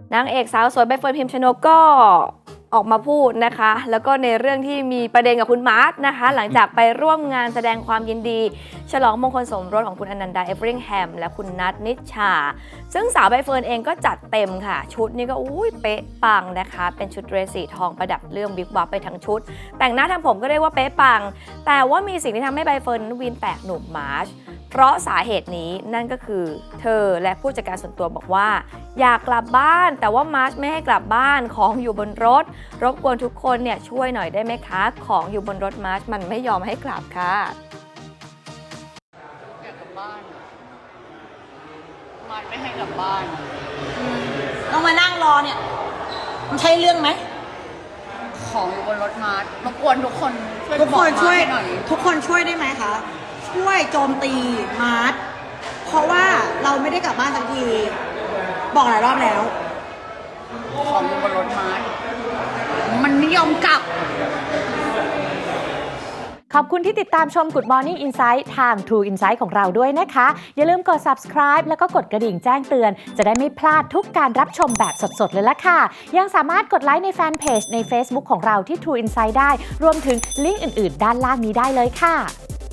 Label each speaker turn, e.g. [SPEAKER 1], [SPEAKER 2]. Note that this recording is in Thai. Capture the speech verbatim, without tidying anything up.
[SPEAKER 1] นางเอกสาวสวยใบเฟิร์นพิมชนกก็ออกมาพูดนะคะแล้วก็ในเรื่องที่มีประเด็นกับคุณมาร์ทนะคะหลังจากไปร่วมงานแสดงความยินดีฉลองมงคลสมรสของคุณอนันดาเอฟริงแฮมและคุณนัทนิชชาซึ่งสาวใบเฟิร์นเองก็จัดเต็มค่ะชุดนี้ก็อุ้ยเป๊ะปังนะคะเป็นชุดเดรสสีทองประดับเรื่องวิบวับไปทั้งชุดแต่งหน้าทำผมก็เรียกว่าเป๊ะปังแต่ว่ามีสิ่งที่ทำให้ใบเฟิร์นนั้นวีนแตกหนุ่มมาร์ชเพราะสาเหตุนี้นั่นก็คือเธอและผู้จัดการส่วนตัวบอกว่าอยากกลับบ้านแต่ว่ามาร์ชไม่ให้กลับบ้านของอยู่บนรถรบกวนทุกคนเนี่ยช่วยหน่อยได้ไหมคะของอยู่บนรถมาร์ชมันไม่ยอมให้กลับค่ะ
[SPEAKER 2] อยากกลับบ้านมาร์ชไม่ให้กลับบ้าน
[SPEAKER 3] ต้องมานั่งรอเนี่ยมันใช่เรื่องไหม
[SPEAKER 2] ของอยู่บนรถมาร์ชรบกวนทุกคนช่วย
[SPEAKER 3] ทุกคนช่วย
[SPEAKER 2] หน่อย
[SPEAKER 3] ทุกคนช่วยได้ไหมคะช่วยโจมตีมาร์ทเพราะว่าเราไม่ได้กลับบ้านสักทีบอกหลายรอบแล้ว
[SPEAKER 2] ของอยู่บนรถมาร์ชมันไม่ยอมกลับ
[SPEAKER 4] ขอบคุณที่ติดตามชม Good Morning Insight ทาง True Insight ของเราด้วยนะคะอย่าลืมกด Subscribe แล้วก็กดกระดิ่งแจ้งเตือนจะได้ไม่พลาดทุกการรับชมแบบสดๆเลยล่ะค่ะยังสามารถกดไลค์ในแฟนเพจใน Facebook ของเราที่ True Insight ได้รวมถึงลิงก์อื่นๆด้านล่างนี้ได้เลยค่ะ